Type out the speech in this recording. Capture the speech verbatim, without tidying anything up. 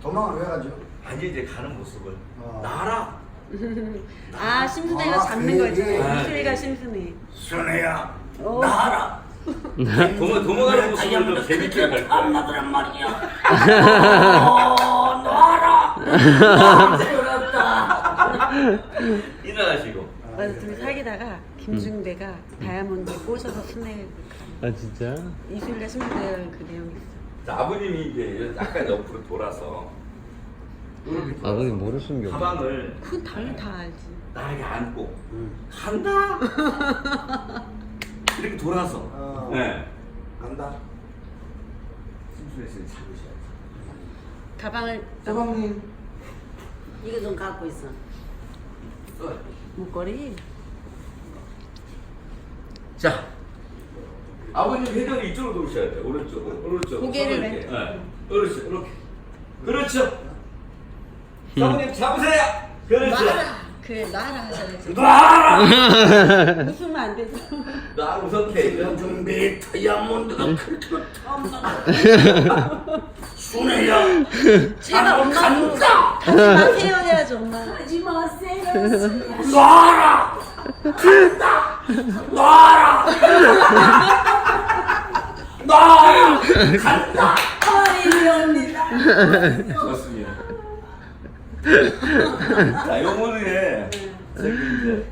도망을 왜 가죠? 아니 이제 가는 모습을 어. 나라. 아 심순애가 아, 잡는 그 거지. 얘기. 이슬이가 심순애. 순애야 오. 나라. 도망 도망가는 모습을 좀 재밌게 갈 거야. 엄마들은 말이야. 어, 놔라. 그렇다. 일어나시고. 맞아 둘이 사귀다가 김중대가 다이아몬드 꼬셔서 순애를 가. 아 진짜? 이슬이가 심순애가 그 내용이 있어. 자, 아버님이 이제 약간 옆으로 돌아서 이렇게 돌아서 아버님 뭐를 숨겨? 가방을 그건 당연히 다 알지. 나에게 안고 응. 간다. 이렇게 돌아서. 어. 네. 간다. 심수혜 씨는 잡으셔야지. 가방을 사방님. 이거 좀 갖고 있어. 써. 목걸이. 자, 아버님 회전이 이쪽으로 돌으셔야 돼요. 오른쪽으로, 오른쪽으로. 고개를 손을 왜? 이렇게. 네. 그렇죠, 이렇게. 그렇죠. 사모님 잡으세요. 그렇죠. 놔라. 그래 놔라 하셔야지. 놔라. 웃으면 안 되죠. 나 웃었대. 준비 다이아몬드가 그렇게 탐나. 순애야. 제발 나도 엄마 간다. 하지 마세요 해야지 엄마. 하지 마세요. 놔라. 간다. 놔라. 놔라. 간다. 어이없니다. 좋습니다. 자, 요번에 저기 이제